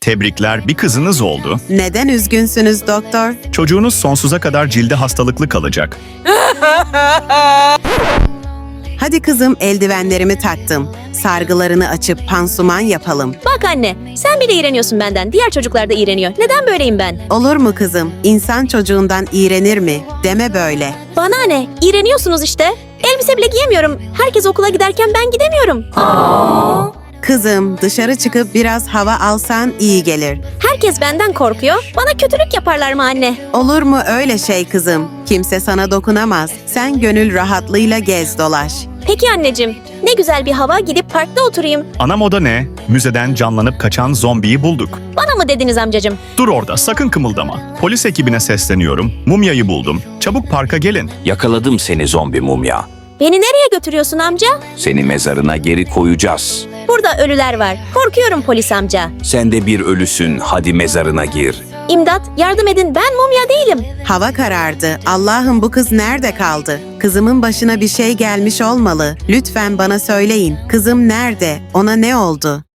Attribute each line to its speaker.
Speaker 1: Tebrikler, bir kızınız oldu.
Speaker 2: Neden üzgünsünüz doktor?
Speaker 1: Çocuğunuz sonsuza kadar cildi hastalıklı kalacak.
Speaker 2: Hadi kızım, eldivenlerimi taktım. Sargılarını açıp pansuman yapalım.
Speaker 3: Bak anne, sen bile iğreniyorsun benden. Diğer çocuklar da iğreniyor. Neden böyleyim ben?
Speaker 2: Olur mu kızım? İnsan çocuğundan iğrenir mi? Deme böyle.
Speaker 3: Bana ne? İğreniyorsunuz işte. Elbise bile giyemiyorum. Herkes okula giderken ben gidemiyorum.
Speaker 2: Kızım, dışarı çıkıp biraz hava alsan iyi gelir.
Speaker 3: Herkes benden korkuyor. Bana kötülük yaparlar mı anne?
Speaker 2: Olur mu öyle şey kızım? Kimse sana dokunamaz. Sen gönül rahatlığıyla gez dolaş.
Speaker 3: Peki anneciğim, ne güzel bir hava, gidip parkta oturayım.
Speaker 1: Ana moda ne? Müzeden canlanıp kaçan zombiyi bulduk.
Speaker 3: Bana mı dediniz amcacığım?
Speaker 1: Dur orada, sakın kımıldama. Polis ekibine sesleniyorum. Mumyayı buldum. Çabuk parka gelin.
Speaker 4: Yakaladım seni zombi mumya.
Speaker 3: Beni nereye götürüyorsun amca?
Speaker 4: Seni mezarına geri koyacağız.
Speaker 3: Burada ölüler var. Korkuyorum polis amca.
Speaker 4: Sen de bir ölüsün, hadi mezarına gir.
Speaker 3: İmdat, yardım edin, ben mumya değilim.
Speaker 2: Hava karardı. Allah'ım, bu kız nerede kaldı? Kızımın başına bir şey gelmiş olmalı. Lütfen bana söyleyin. Kızım nerede? Ona ne oldu?